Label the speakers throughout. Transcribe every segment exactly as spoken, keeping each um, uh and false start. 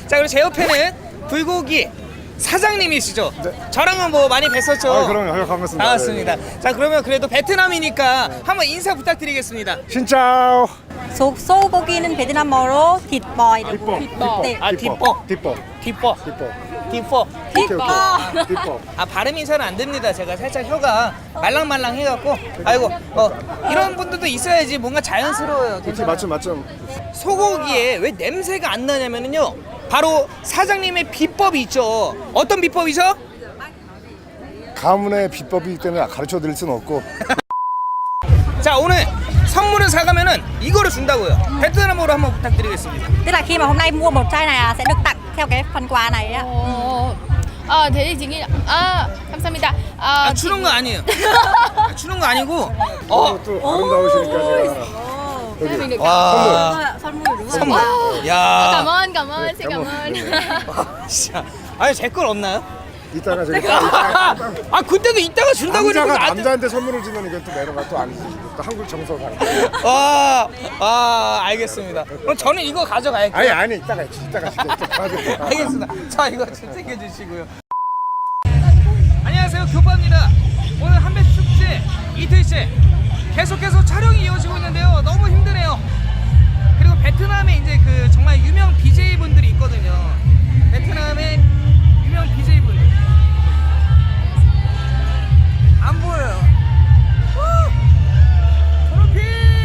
Speaker 1: 자, 그리고 제 옆에는 불고기 사장님이시죠?
Speaker 2: 네.
Speaker 1: 저랑은 뭐 많이 뵀었죠?
Speaker 2: 아, 그럼요. 반갑습니다.
Speaker 1: 반갑습니다.
Speaker 2: 네,
Speaker 1: 자, 그러면 그래도 베트남이니까 한번 인사 부탁드리겠습니다.
Speaker 2: 신짜오.
Speaker 3: 소, 소고기는 베트남어로 뒷버이라고.
Speaker 2: 뒷버.
Speaker 3: 뒷버. 네.
Speaker 1: 아, 뒷버.
Speaker 2: 뒷버.
Speaker 1: 뒷버.
Speaker 2: 뒷버.
Speaker 1: 뒷버.
Speaker 2: 뒷버. 뒷버.
Speaker 1: 아, 발음이 잘 안 됩니다. 제가 살짝 혀가 말랑말랑 해갖고. 아이고, 어, 이런 분들도 있어야지 뭔가 자연스러워요.
Speaker 2: 그치,
Speaker 1: 괜찮아요.
Speaker 2: 맞죠, 맞죠.
Speaker 1: 소고기에 왜 냄새가 안 나냐면요, 바로 사장님의 비법이 있죠. 어떤 비법이죠?
Speaker 2: 가문의 비법이기 때문에 가르쳐 드릴 수는 없고.
Speaker 1: 자, 오늘 선물을 사가면은 이거를 준다고요. 베트남어로 한번 부탁드리겠습니다.
Speaker 3: Tức là khi mà hôm nay mua một chai này à, sẽ được tặng theo cái phần quà này á.
Speaker 4: 어, 아, 대리 증인. 아, 감사합니다. 아,
Speaker 1: 아, 주는 거 아니에요. 아, 주는 거 아니고. 어,
Speaker 2: 어, 또 아름다우시니까. 여기.
Speaker 1: 와,
Speaker 3: 선물 đúng không?
Speaker 1: 선물.
Speaker 4: 아,
Speaker 1: 야,
Speaker 4: cảm ơn, cảm ơn, xin cảm
Speaker 2: cảm
Speaker 4: ơn.
Speaker 1: 진짜. 아니, 제 건 없나요?
Speaker 2: 이따가 저기 딱
Speaker 1: 아, 그때도 이따가 준다고
Speaker 2: 남자가
Speaker 1: 해놓고 나한테-
Speaker 2: 남자한테 선물을 주면 이게 또 매너가 또 아니지. 또 한국 정서가.
Speaker 1: 와, 아, 알겠습니다. 그럼 저는 이거 가져갈게요.
Speaker 2: 아니 아니 이따가 이따가 진짜.
Speaker 1: 알겠습니다. 자, 이거 좀 챙겨주시고요. 안녕하세요, 교파입니다. 오늘 한배 축제 이틀째 계속해서 촬영이 이어지고 있는데요. 너무 힘드네요. 그리고 베트남에 이제 그 정말 유명 비제이 분들이 있거든요. 베트남의 유명 비제이 분들. 안 보여요. 우! 트로피!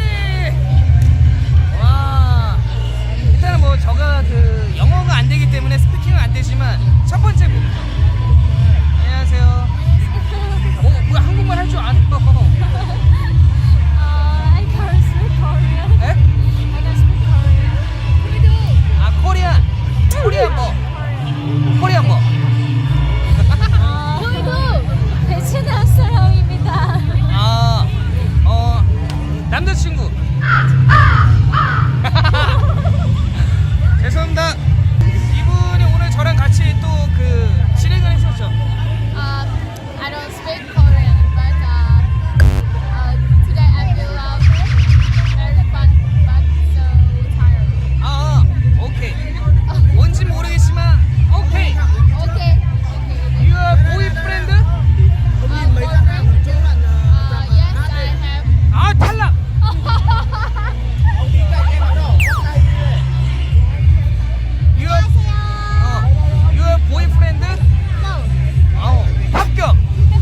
Speaker 1: 와. 일단은 뭐 저가 그 영어가 안 되기 때문에 스피킹은 안 되지만 첫 번째 분. 안녕하세요. 뭐, 뭐 한국말 할 줄 아는 거.
Speaker 4: I can speak Korean.
Speaker 1: 에?
Speaker 4: I can speak Korean.
Speaker 1: 아, 코리안. 코리안 뭐. 코리안 뭐.
Speaker 4: 아, 저희도 베트남 사람입니다.
Speaker 1: 아, 어, 남자친구. 죄송합니다. 이분이 오늘 저랑 같이 또 그 진행을 했었죠.
Speaker 4: Uh, I don't speak Korean, but uh, uh, today I feel uh, very fun, but so tired.
Speaker 1: 아, 오케이. 뭔지 모르겠지만, 오케이.
Speaker 4: Okay, okay.
Speaker 1: Your boyfriend?
Speaker 4: Uh, boyfriend? Uh, yes, I have.
Speaker 1: 아, 탈락. Your, 어, your boyfriend?
Speaker 4: No.
Speaker 1: 어, 합격.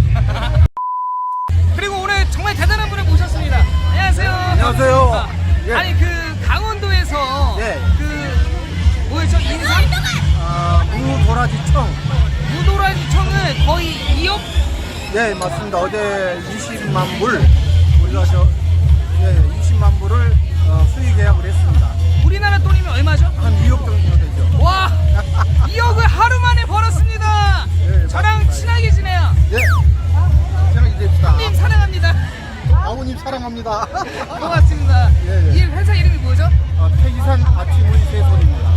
Speaker 1: 그리고 오늘 정말 대단한 분을 모셨습니다. 안녕하세요.
Speaker 2: 안녕하세요. 예.
Speaker 1: 아니 그 강원도에서
Speaker 2: 네.
Speaker 1: 그 뭐였죠? 인삼?
Speaker 5: 아, 무도라지청.
Speaker 1: 무도라지 청을 거의 이억?
Speaker 5: 네, 맞습니다. 어제 이십만 불 우리가 저 예, 이십만 불을 어, 수익 계약을 했습니다.
Speaker 1: 우리나라 돈이면 얼마죠?
Speaker 5: 한 이억 정도 되죠.
Speaker 1: 와, 이억을 하루 만에 벌었습니다.
Speaker 5: 네,
Speaker 1: 저랑
Speaker 5: 맞습니다.
Speaker 1: 친하게 지내요.
Speaker 5: 예. 저는 이제
Speaker 1: 님 사랑합니다.
Speaker 5: 아버님 사랑합니다.
Speaker 1: 고맙습니다.
Speaker 5: 예, 예.
Speaker 1: 이 회사 이름이 뭐죠?
Speaker 5: 어, 태기산 아침의 세솔입니다.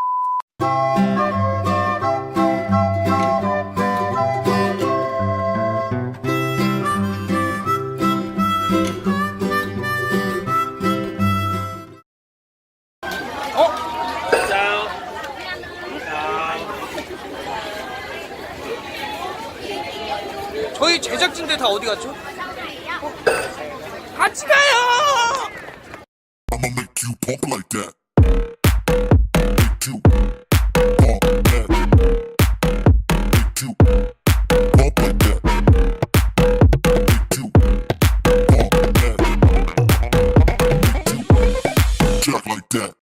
Speaker 1: 어? 저희 제작진들 다 어디 갔죠? 어? 같이 가요!
Speaker 6: I'ma make you pump like that. Make you pump that. Make you pump like that. Make you pump that. Make you jack like that.